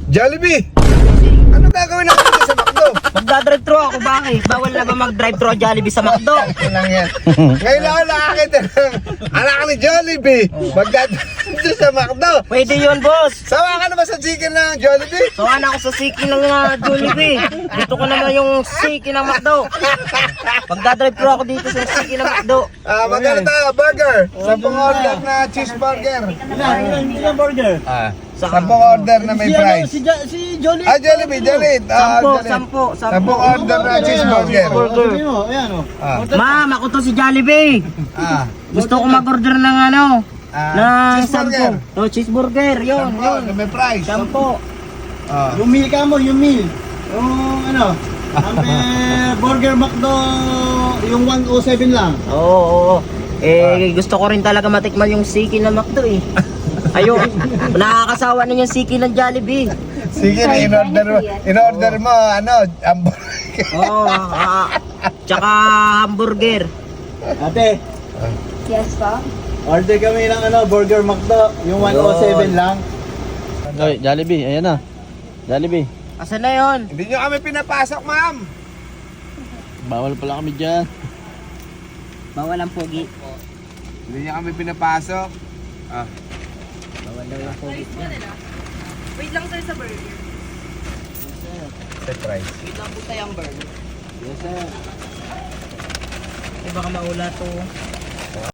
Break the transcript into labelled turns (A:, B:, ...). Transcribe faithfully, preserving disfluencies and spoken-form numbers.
A: Jollibee! Ano gagawin natin dito sa McDo?
B: Magdadrive-thru ako, bakit? Bawal na ba mag-drive-thru ang Jollibee sa McDo?
A: Ilang yan. Ngayon ako nakakita ng anak ni Jollibee. Magdadrive sa McDo.
B: Pwede yun, boss.
A: Sawa ka na ba sa chicken ng Jollibee?
B: Sawan ako sa siki ng uh, Jollibee. Dito ko naman yung siki ng McDo. Magdadrive-thru ako dito sa siki ng McDo.
A: Ah, magkano tayo? Burger. Sampung order na cheeseburger.
C: Ilan, ilan burger?
A: Ah,
B: Saka-
A: sampung order na may
C: Si, ano,
A: price.
C: si, Ja- si Jolly.
A: Ah, Jollibee, Jollibee. Ah,
B: Sampo,
A: Jollibee.
B: sampo, sampo.
A: Sampung order na cheeseburger.
B: Burger.
C: Sabi mo, ayan o.
A: Ah,
B: Ma'am, ako to si Jollibee.
A: ah,
B: Gusto ko mag-order ng ano,
A: ah,
B: ng
A: cheeseburger.
B: sampo. Oh, cheeseburger, yun,
A: Sampo,
B: yun.
A: na may price.
B: Sampo.
A: Ah.
C: Yung meal ka mo, yung meal. Yung ano, ang eh, Burger McDo, yung one oh seven lang.
B: Oo, oo, oo. Eh, gusto ko rin talaga matikman yung siki ng McDo eh. Ayun, nakakasawa na yung siki ng Jollibee.
A: Sige, in-order mo, in-order mo, ano, hamburger.
B: Oo, ah, tsaka hamburger.
C: Ate,
D: Yes po.
C: order kami ng ano, Burger McDo, yung one oh seven lang.
E: Oy, Jollibee, ayan na. Jollibee.
B: Asan na yun?
A: Hindi nyo kami pinapasok, ma'am.
E: Bawal pala kami dyan.
B: Bawal ang pogi.
A: Hindi nyo kami pinapasok. Ah.
B: Bawal daw yung pogi.
D: Wait lang sir sa burger.
A: Set price.
B: Wait lang po tayong burger.
C: Yes sir.
B: Eh baka maula to.